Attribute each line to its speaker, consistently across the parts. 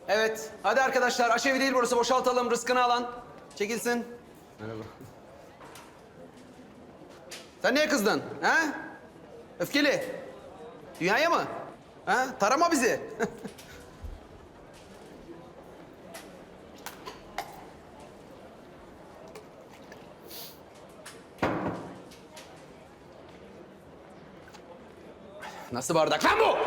Speaker 1: Evet. Hadi arkadaşlar aşevi değil burası. Boşaltalım. Rızkını alan. Çekilsin. Merhaba. Sen niye kızdın? Ha? Öfkeli. Dünyaya mı? Ha? Tarama bizi. Nasıl bardak lan bu?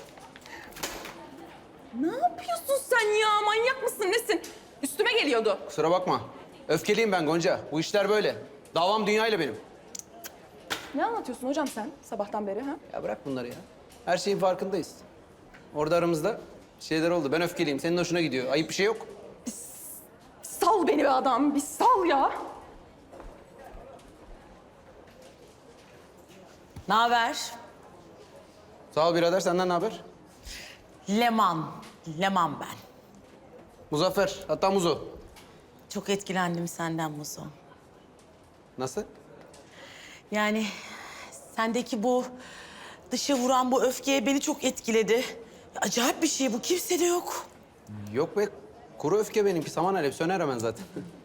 Speaker 2: Ne yapıyorsun sen ya? Manyak mısın nesin? Üstüme geliyordu.
Speaker 1: Kusura bakma. Öfkeliyim ben Gonca. Bu işler böyle. Davam dünyayla benim.
Speaker 2: Ne anlatıyorsun hocam sen sabahtan beri ha?
Speaker 1: Ya bırak bunları ya. Her şeyin farkındayız. Orada aramızda şeyler oldu. Ben öfkeliyim. Senin hoşuna gidiyor. Ayıp bir şey yok.
Speaker 2: Sal beni be adam, bir sal ya.
Speaker 3: Ne haber?
Speaker 1: Sağ ol birader. Senden ne haber?
Speaker 3: Leman ben.
Speaker 1: Muzaffer. Hatta Muzo.
Speaker 3: Çok etkilendim senden Muzo.
Speaker 1: Nasıl?
Speaker 3: Yani sendeki bu dışa vuran bu öfkeye beni çok etkiledi. Acayip bir şey bu, kimsede yok.
Speaker 1: Yok be. Kuru öfke benimki. Saman alev. Söner hemen zaten.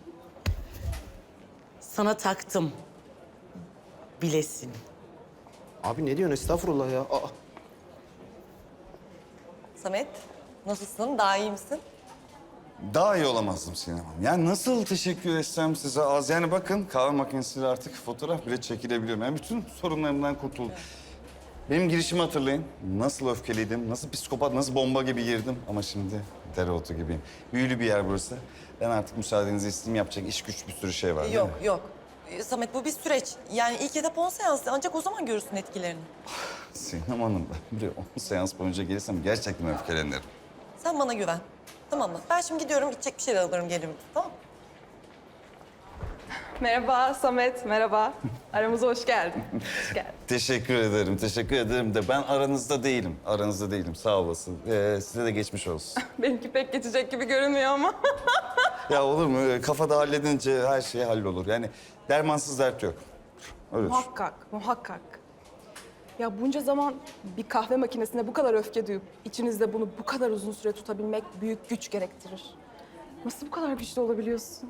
Speaker 3: Sana taktım. Bilesin.
Speaker 1: Abi ne diyorsun? Estağfurullah ya. Aa.
Speaker 4: Samet, nasılsın? Daha iyi misin?
Speaker 5: Daha iyi olamazdım Sinem Hanım. Yani nasıl teşekkür etsem size az. Yani bakın kahve makinesiyle artık fotoğraf bile çekilebiliyorum. Yani bütün sorunlarımdan kurtuldum. Benim girişimi hatırlayın. Nasıl öfkeliydim, nasıl psikopat, nasıl bomba gibi girdim. Ama şimdi dereotu gibiyim. Büyülü bir yer burası. Ben artık müsaadenizi isteyeyim. Yapacak iş güç bir sürü şey var değil
Speaker 4: Yok,
Speaker 5: mi?
Speaker 4: yok. Samet bu bir süreç. Yani ilk etap 10 seansı. Ancak o zaman görürsün etkilerini.
Speaker 5: Sinem Hanım ben buraya 10 seans boyunca gelirsem gerçekten öfkelenirim.
Speaker 4: Sen bana güven. Tamam mı? Ben şimdi gidiyorum, içecek bir şeyler alırım gelirim. Tamam mı?
Speaker 2: Merhaba Samet, merhaba. Aramıza hoş geldin. Hoş geldin.
Speaker 5: Teşekkür ederim, teşekkür ederim de ben aranızda değilim. Aranızda değilim, sağ olasın. Size de geçmiş olsun.
Speaker 2: Benimki pek geçecek gibi görünmüyor ama.
Speaker 5: Ya olur mu? Kafada halledince her şey hallolur. Yani dermansız dert yok. Öyle düşün.
Speaker 2: Muhakkak, muhakkak. Ya bunca zaman bir kahve makinesine bu kadar öfke duyup içinizde bunu bu kadar uzun süre tutabilmek büyük güç gerektirir. Nasıl bu kadar güçlü olabiliyorsun?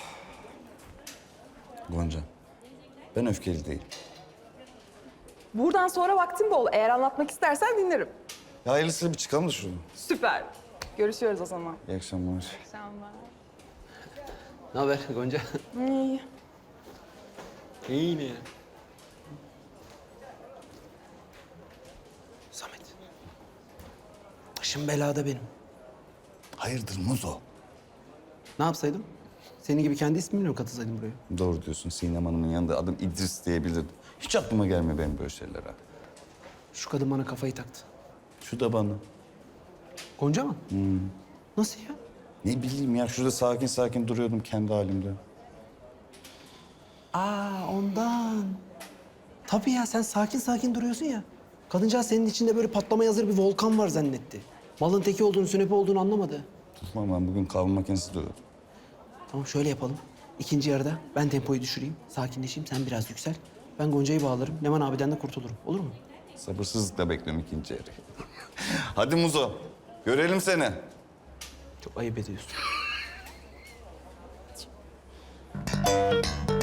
Speaker 5: Gonca, ben öfkeli değilim.
Speaker 2: Buradan sonra vaktin bol. Eğer anlatmak istersen dinlerim.
Speaker 5: Ya hayırlısıyla bir çıkalım da şuradan.
Speaker 2: Süper. Görüşüyoruz o zaman.
Speaker 5: İyi akşamlar.
Speaker 2: Selamlar.
Speaker 1: Ne haber Gonca?
Speaker 2: İyi.
Speaker 1: İyi ne ya? Samet. Başım belada benim.
Speaker 5: Hayırdır Muzo?
Speaker 1: Ne yapsaydım? Senin gibi kendi ismimle mi katılsaydım buraya?
Speaker 5: Doğru diyorsun. Sinem Hanım'ın yanında adım İdris diyebilirdim. Hiç aklıma gelmiyor benim böyle şeyler ha.
Speaker 1: Şu kadın bana kafayı taktı.
Speaker 5: Şu da bana.
Speaker 1: Gonca mı? Nasıl ya?
Speaker 5: Ne bileyim ya şurada sakin sakin duruyordum kendi halimde.
Speaker 1: Ondan. Tabii ya sen sakin sakin duruyorsun ya. Kadıncağız senin içinde böyle patlamaya hazır bir volkan var zannetti. Malın teki olduğunu, sünepe olduğunu anlamadı.
Speaker 5: Tamam ben bugün kahve makinesi duruyordum.
Speaker 1: Tamam şöyle yapalım. İkinci yarıda ben tempoyu düşüreyim, sakinleşeyim, sen biraz yüksel. Ben Gonca'yı bağlarım, Leman abiden de kurtulurum. Olur mu?
Speaker 5: Sabırsızlıkla bekliyorum ikinci yarıyı. Hadi Muzo, görelim seni.
Speaker 1: Çok ayıp ediyorsun.